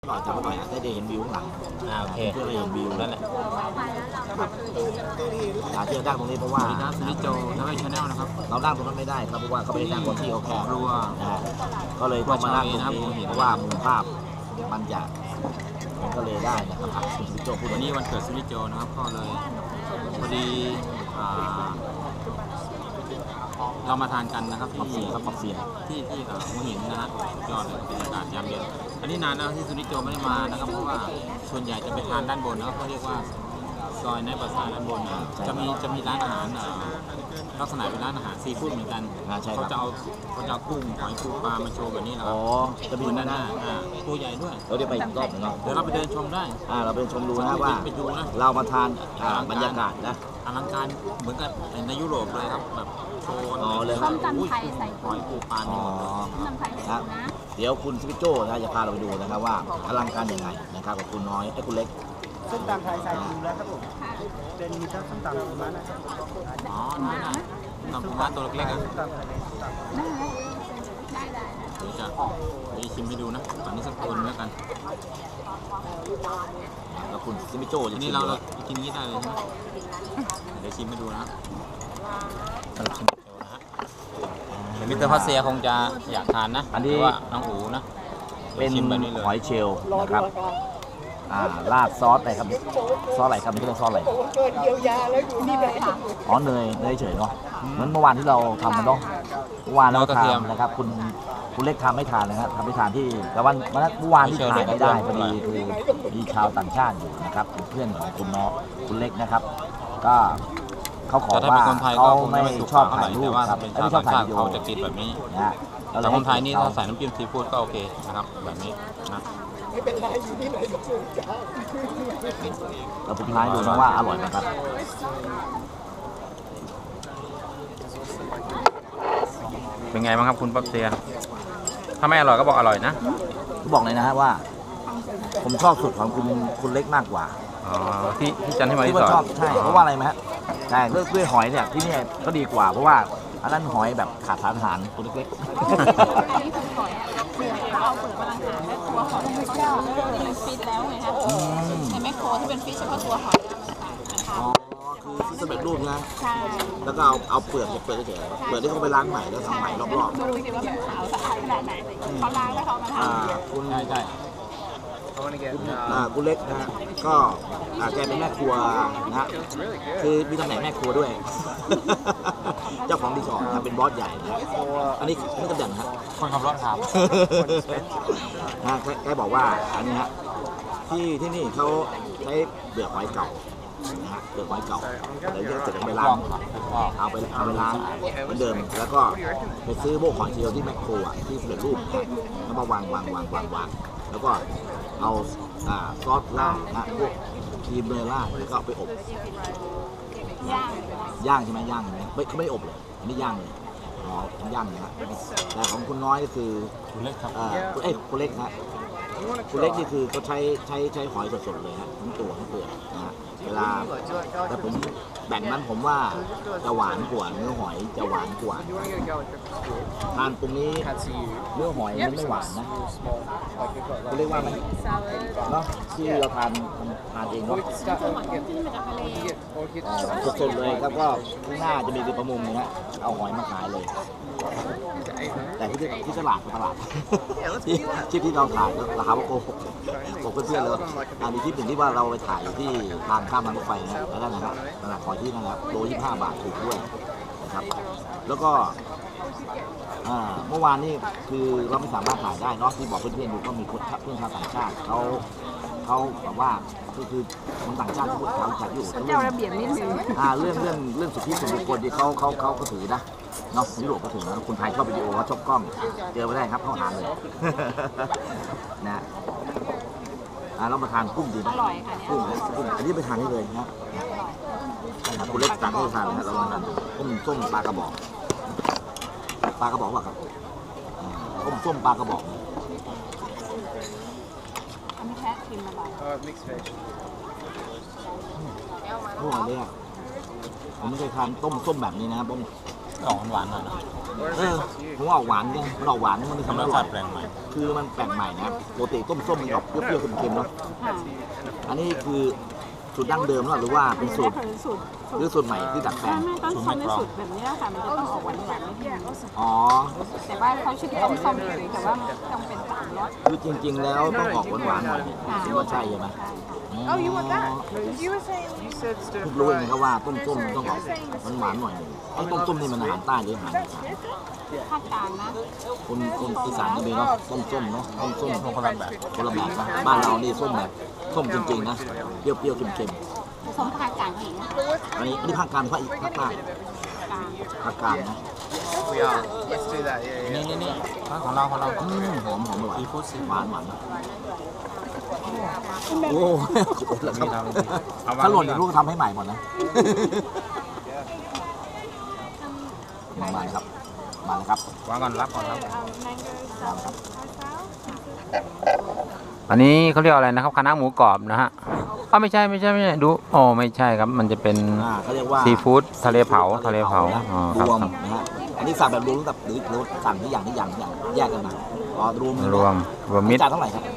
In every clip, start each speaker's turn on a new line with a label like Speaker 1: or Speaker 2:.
Speaker 1: ก่อนจำไว้ก่อนได้เห็นวิวข้างหลัง
Speaker 2: โอเค
Speaker 1: เพื่อได้เห็นวิว
Speaker 2: นั่นแหละ
Speaker 1: ครับที่เรานั่งตรงนี้เพราะว่า
Speaker 2: นิโจทำให้ชาแนลนะครับ
Speaker 1: เรานั่งตรงนั้นไม่ได้ครับเพราะว่าเขาไม่ได้นั่งบนที่เขาแคบ
Speaker 2: รัว
Speaker 1: ก็เลยต้องมานั่งตรงนี้เพราะว่ามุมภาพมันจะก็เลยได้นะครับคุณซิโจพูด
Speaker 2: วันนี้วันเกิดซินิโจนะครับก็เลยพอดีเรามาทานกันนะครับที่
Speaker 1: ปักเสีย
Speaker 2: ที่หัวหินนะฮะยอดเลยบรรยากาศยามเย็นอันนี้นานแล้วที่ซินิโจไม่ได้มานะครับเพราะว่าส่วนใหญ่จะไปทานด้านบนนะครับเขาเรียกว่าซอยในภาษาด้านบนจะมีร้านอาหารลักษณะเป็นร้านอาหารซีฟู้ดเหมือนกันเขาจะเอากุ้งหอยปูปลามาโชว์แบบนี้นะครับ
Speaker 1: จะมี
Speaker 2: ด้านหน้าตัวใหญ่ด้วย
Speaker 1: เราได้ไปอีกรอบนึง
Speaker 2: เดี๋ยวเราไปเดินชมได้
Speaker 1: เราไปชมดูนะว่าเรามาทานบรรยากาศนะ
Speaker 2: อลังการเหมือนกับในยุโรปเลยครับแบบโชว์
Speaker 1: เลย
Speaker 3: ส้มตำไทยใส่
Speaker 2: หอยปูปลามีหมดเลย
Speaker 3: ส้มตำไทยนะ
Speaker 1: เดี๋ยวคุณซิโจนะจะพาเราไปดูนะครับว่าอลังการยังไงนะครับกับคุณน้อยคุณเล็ก
Speaker 4: ส้มตำไทยใส่ปูแล้วครับผมเป็นมีทั้งส้มตำปูม้านะครับ
Speaker 2: น้ำปูม้าตัวเล็กๆ
Speaker 3: ได้
Speaker 2: เดี๋ยวจะชิมให้ดูนะตอนนี้สักคนแล้วกัน
Speaker 1: แล้วคุณซิโจจะ
Speaker 2: นี่เรากินนี้ได้เลยใช่ไหมเดี๋ยวชิมให้ดูนะชิมโจนะฮะมิสเตอร์พัสเซียคงจะอยากทานนะ
Speaker 1: อันนี้
Speaker 2: ว่าน้องอูนะ
Speaker 1: เป็นหอยเชลล์นะครับราดซอสอะไรครับซอสอะไรครับนี่เรียกซอสอะไร
Speaker 4: เยียวยาแล้วอยู่นี่เลย
Speaker 1: เนยเฉยเนาะเหมือนเมื่อวานที่เราทำกันเนาะเมื่อวานเราทำนะครับคุณเล็กทำไม่ทานนะครับทำไม่ทานที่แต่วันเมื่อวานที่ถ่ายไม่ได้พอดีคือมีชาวต่างชาติอยู่นะครับเพื่อนของคุณน้องคุณเล็กนะครับก็เขาขอว่าเขาไม่ชอบถ่ายรูปครับไม่ชอบถ่ายวิดีโอ
Speaker 2: เขาจะกินแบบนี้นะแต่คนไทยนี่ถ้าใส่น้ำจิ้มซีฟู้ดก็โอเคนะครับแบบนี้นะ
Speaker 4: ไม่เป็นไรอยู่ที่ไหนก็ถูกจ้า
Speaker 1: เราไปทานดูนะว่าอร่อยไหมครับ
Speaker 2: เป็นไงบ้างครับคุณปั๊บเซียถ้าไม่อร่อยก็บอกอร่อยนะ
Speaker 1: บอกเลยนะฮะว่าผมชอบสูตรของคุณเล็กมากกว่า
Speaker 2: ที่จันที่มาที่
Speaker 1: ชอบใช่เพราะว่าอะไรไหมฮะใช่ด้วยหอยเนี่ยที่นี่ก็ดีกว่าเพราะว่าอันนั้นหอยแบบขาดสารอาหารตัวเล็ก
Speaker 3: ๆอันนี้คือหอยเปลือกเราเอาเปลือกมาล้างหางและตัวหอยเขาเป็นฟิตแล้วไงคะในแมคโครที่เป็นฟิตเฉพาะตัวหอย
Speaker 1: คือสำเร็จรูปนะ
Speaker 3: ใช่
Speaker 1: แล้วก็เอาเปลือกเฉยเปลือกที่เขาไปล้างใหม่แล้วทำใหม่รอบๆ
Speaker 3: ดูสิว่ามันขาวสะอาดขนาดไหนเขาล้างแล้วเขามาทำ
Speaker 1: คุณใช่คุณเล็กนะก็แกเป็นแม่ครัวนะคือมีตำแหน่งแม่ครัวด้วยเจ้าของรีสอร์ทเป็นบอสใหญ่นะอันนี้ตำแหน่งฮะ
Speaker 2: คนขับรถครับ
Speaker 1: แกบอกว่าอันนี้ฮะที่นี่เขาใช้เปลือกหอยเก่านะฮะเปลือกหอยเก่าเดี๋ยวจะเสร็จไปล้างเอาไปล้างเหมือนเดิมแล้วก็ไปซื้อพวกหอยเชลล์ที่แมคโครที่สำเร็จรูปแล้วมาวางแล้วก็เอาซอสราดนะพวกครีมเนยราดแล้วก็เอาไปอบย่างใช่ไหมย่างเขาไม่อบเลยอันนี้ย่างเลยย่างนะแต่ของคุณน้อยก็คือ
Speaker 2: คุณเล็กครับ
Speaker 1: คุณเล็กนะคุณเล็กนี่คือเขาใช้หอยสดๆเลยฮะทั้งตัวทั้งเปลือกนะฮะเวลาแต่ผมแบ่งนั้นผมว่าจะหวานกว่าเนื้อหอยจะหวานกว่าทานตรงนี้เนื้อหอยมันไม่หวานนะเขาเรียกว่าอะไรเนาะที่เราทานเองเนาะสดๆเลยครับก็ข้างหน้าจะมีประมุมนะฮะเอาหอยมาขายเลยแต่ที่ตลาดที่เราถ่ายราคาโกหกบอกเพื่อนๆเลยมีคลิปหนึ่งที่ว่าเราไปถ่ายที่ทางข้ามทางรถไฟนะแล้วนั่นนะครับตลาดหอยที่นั่นครับโล25 บาทถูกด้วยนะครับแล้วก็เมื่อวานนี่คือเราไม่สามารถถ่ายได้เนาะที่บอกเพื่อนๆดูก็มีเพื่อนชาวต่างชาติเขาแบบว่าก็คือคนต่างชาติที่พูดเขาจัดอยู่
Speaker 3: เจ้าระเบียบนิดนึง
Speaker 1: เรื่องสิทธิส่วนบุคคลที่เขาก็ถือนะเนาะยุโรปก็ถือนะคนไทยชอบวิดีโอเขาชอบกล้องเจอไม่ได้ครับเข้าหาเลยนะเรามาทานกุ้งดีนะ
Speaker 3: อร่อยค่ะ
Speaker 1: กุ้งอันนี้ไปทานได้เลยนะคุณเล็กสั่งให้ทานนะเราทานส้มปลากระบอกว่าครับส้มปลากระบอก
Speaker 3: อันนี้แค่ชิมมาบ่อย
Speaker 1: พวกนี้ผมไม่เคยทานต้มส้มแบบนี้นะครับผม
Speaker 2: หวานหน่อยนะ
Speaker 1: ผมว่าออกหวานกันมันออกหวานมันมี
Speaker 2: ทำ
Speaker 1: ทำ
Speaker 2: ร
Speaker 1: อ
Speaker 2: ส
Speaker 1: ร่
Speaker 2: ชา
Speaker 1: อย
Speaker 2: ติแปลงใหม่
Speaker 1: คือมันแปลกใหม่นะปกติต้มส้มมันออกเปรี้ยวๆเค็มๆเนาะ
Speaker 3: ค่ะ
Speaker 1: อันนี้คือสูตรดั้งเดิมหรือว่าเป็นสูตร
Speaker 3: คือสูตร
Speaker 1: หรือสูตรใหม่ที่ดัดแปลง
Speaker 3: ไม่ต้นส้มในสูตรแบบนี้ค่ะมันจะต้องออกหวานๆนิดนึง
Speaker 1: อ๋อ
Speaker 3: แต่ว่าเขาชื่อต้มส้มเฉยๆแต่ว่ามันต้องเป็นสามรส
Speaker 1: คือจริงๆแล้วต้องออกหวานๆหน่อยคิดว่าใช่ใช่ไหม
Speaker 3: ใช่ค่ะ
Speaker 5: Oh, you want that? You were saying
Speaker 4: You said stir
Speaker 1: เพิ่งรู้เองนะครับว่าต้มส้มต้องออกหวานๆหน่อยหนึงไอ้ต้มส้มนี่มันอาหารใต้หรืออาหารอีสาน
Speaker 3: ภาคกลางนะ
Speaker 1: คนอีสานก็มีเนาะต้มส้มเนาะต้มส้ม
Speaker 2: คนละแบบ
Speaker 1: คนละแบบนะบ้านเรานี่ส้มแบบส้มจริงๆนะเปรี้ยวๆเค็ม
Speaker 3: ส้มภาคกลางเอง
Speaker 1: ๆอันนี้ภาคกลางภาคอีกภาคใต้
Speaker 3: กลาง
Speaker 1: ภาคกลางนะ
Speaker 4: We are. Let's do that. Yeah,
Speaker 2: นี่ของเรา
Speaker 1: หอมอร่อย
Speaker 2: ซีฟู้ดซี
Speaker 1: หวานโอ้ขอบคุณแล้วครับถ้าหล่นอย่างลูกก็ทำให้ใหม่หมดนะมาเลยครับมาเลยครับ
Speaker 2: วางก่อนรับก่อนรับ
Speaker 1: ครับ
Speaker 2: อันนี้เขาเรียกอะไรนะครับคณะหมูกรอบนะฮะไม่ใช่ดูไม่ใช่ครับมันจะเป็น
Speaker 1: เขาเรียกว่า
Speaker 2: ซีฟู้ดทะเลเผาอ๋อค
Speaker 1: ร
Speaker 2: รับ
Speaker 1: วมนะฮะอันนี้สั่งแบบรวมกับหรือสั่งที่อย่างแยกกันมาอ๋อรวม
Speaker 2: รวมมิตร
Speaker 1: จานเท่าไหร่ครับ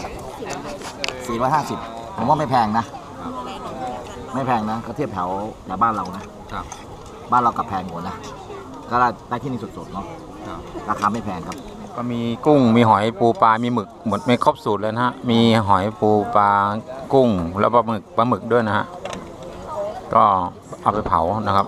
Speaker 1: 450ผมว่าไม่แพงนะ ไม่แพงนะก็เทียบแถวบ้านเรานะครับ บ้านเรากับแพงกว่านะก็ได้ที่นี่สดๆเนาะราคาไม่แพงครับ
Speaker 2: ก็มีกุ้งมีหอยปูปลามีหมึกหมดไม่ครบสูตรเลยนะฮะมีหอยปูปลากุ้งแล้วปลาหมึกด้วยนะฮะก็เอาไปเผานะครับ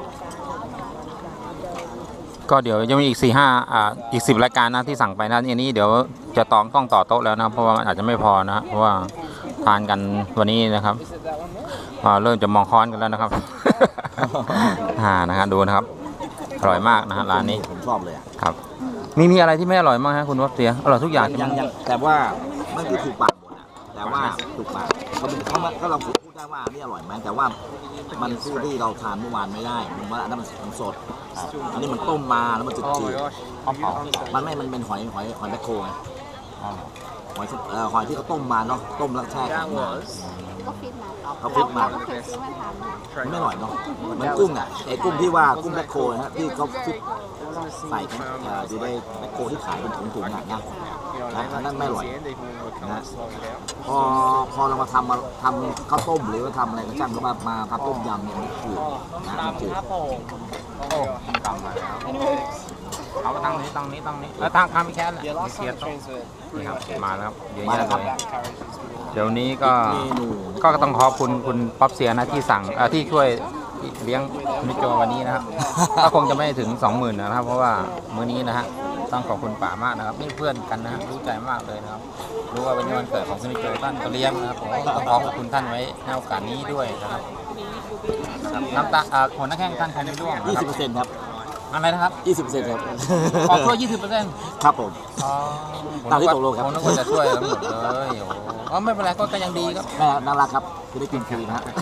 Speaker 2: ก็เดี๋ยวจะมีอีกอีก10 รายการนะที่สั่งไปนะอันนี้เดี๋ยวจะต้องต่อโต๊ะแล้วนะเพราะว่าอาจจะไม่พอนะเพราะว่าทานกันวันนี้นะครับเริ่มจะมองค้อนกันแล้วนะครับ นะฮะดูนะครับอร่อยมากนะฮะร้านนี้
Speaker 1: ผมชอบเลยอะ
Speaker 2: ครับมีอะไรที่ไม่อร่อยมั้งฮะคุณวัฟเสียอร่อยทุกอย่าง
Speaker 1: ยังแต่ว่ามันคือถูกปากหมดอะแต่ว่าถูกปากก็เราพูดได้ว่านี่อร่อยไหมแต่ว่ามันสู้ที่เราทานเมื่อวานไม่ได้ผมว่าอันนั้นมันสดอันนี้มันต้มมาแล้วมันจืด
Speaker 4: Oh my gosh.
Speaker 1: มันเป็นหอยแมคโครไงหอยที่เขาต้มมาเนาะต้มแล้วแช่แข็ง
Speaker 4: That
Speaker 1: มา
Speaker 4: was.
Speaker 3: ก็ฟิตมา
Speaker 1: เขาฟิตมา
Speaker 3: ก็เคยซื้อมาทำ
Speaker 1: มันไม่อร่อยเนาะมันกุ้งอ่ะไอ้กุ้งที่ว่ากุ้งแมคโครนะฮะที่เขาฟิตใส่กันอยู่ในแมคโครที่ขายเป็นถุงๆอ่ะนะ อันนั้นไม่อร่อย นะ พอเรามาทำข้าวต้มหรือว่าทำอะไรก็ช่างก็มาทำต้มยำเนี่ยมันจืดนะมันจืด
Speaker 2: ตามมาแล้วเอาตั้งนี้แล้วทางพี่แคทเลยเสียต้องนี่ครับมาแล้วครับเยอะแยะเลยเดี๋ยวนี้ก็
Speaker 1: เมนู
Speaker 2: ก็ต้องขอบคุณป๊อปเสียนะที่สั่งที่ช่วยเลี้ยงมิโจวันนี้นะครับ ก็คงจะไม่ถึง 20,000นะครับ เพราะว่ามื้อนี้นะฮะต้องขอบคุณป๋ามากนะครับนี่เพื่อนกันนะฮะรู้ใจมากเลยนะครับรู้ว่าเป็นวันเกิดของมิโจท่านก็เลี้ยงนะครับผมต้องขอบคุณท่านไว้ในโอกาสนี้ด้วยนะครับน้ำตาหัวหน้าแข้งท่านใครไม่ร่วงนะครับ
Speaker 1: 20%ครับ
Speaker 2: อะไรนะครับ
Speaker 1: 20%ครับ
Speaker 2: ขอช่วย 20%
Speaker 1: ครับผม
Speaker 2: อ๋อ
Speaker 1: ตามที่ตกลงครับ
Speaker 2: ผมนึกว่าจะช่วยทั้งหมดเลยโอ้โหอ๋อไม่เป็นไรก็ยังดีครับ
Speaker 1: แม่น่ารักครับคือได้กินฟรีนะฮะ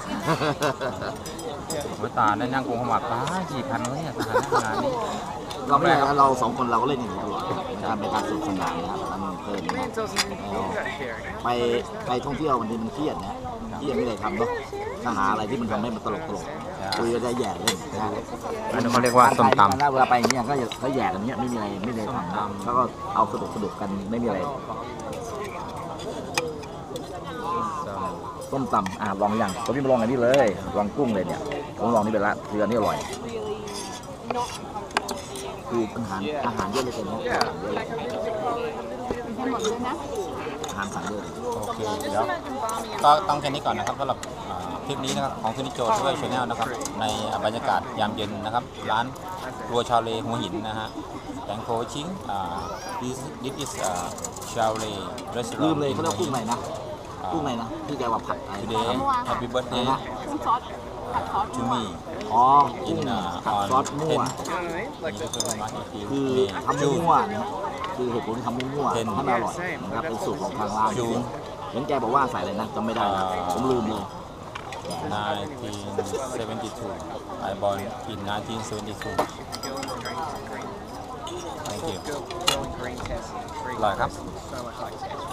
Speaker 2: โอ้ยตาได้นั่งกงขมับตา4,000เลยเนี่ยสถานการณ์นี้
Speaker 1: เราไม่ได้เราสองคนเราก็เล่นอย่างนี้ตลอดเป็นการสนุกสนานนะครับมันเพลินนะ ไปท่องเที่ยวบางทีมันเครียดนะเครียดไม่ได้ทำเนาะถ้าหาอะไรที่มันทำให้มันตลกคุยก็ได้แย่เล่นนะ
Speaker 2: อันนี้เขาเรียกว่าส้มตำ
Speaker 1: เวลาไปอย่างเงี้ยก็แย่กันเนี้ยไม่มีอะไรทำนะแล้วก็เอาสนุกกันไม่มีอะไรส้มตำลองอย่างผมพี่มาลองอันนี้เลยลองกุ้งเลยเนี่ยผมลองนี่ไปละคืออันนี้อร่อยคืออาหารเยอะเลยเป็นอาหารเยอะเลย
Speaker 3: ให้หมดเลยนะ
Speaker 1: อาหารสั่งเยอะเลย
Speaker 2: โอเคเดี๋ยวก็ต้องแค่นี้ก่อนนะครับสำหรับคลิปนี้นะครับของคุณนิโจช่วยชาแนลนะครับในบรรยากาศยามเย็นนะครับร้านครัวชาวเลหัวหินนะฮะแตงโคชิงthis is ชาวเล restaurant
Speaker 1: ลืมเลยเขาเรียกกุ้งไหนนะกุ้งไหนนะที่แกว่าผัดอะไร
Speaker 2: today happy birthday
Speaker 3: น้ำซอสผัดซอส
Speaker 2: to me
Speaker 1: อ๋อกุ้งผัดซอสมั่ว คือทำมั่วเนี่ยคือเหตุผลที่ทำมั่วให้มันอร่อยนะครับเป็นสูตรของทางร้านเห็นแกบอกว่าใส่อะไรนะจำไม่ได้นะผมลืมเลย
Speaker 2: 1972 I born in 1972 Thank you อร่อยครับ
Speaker 4: So much like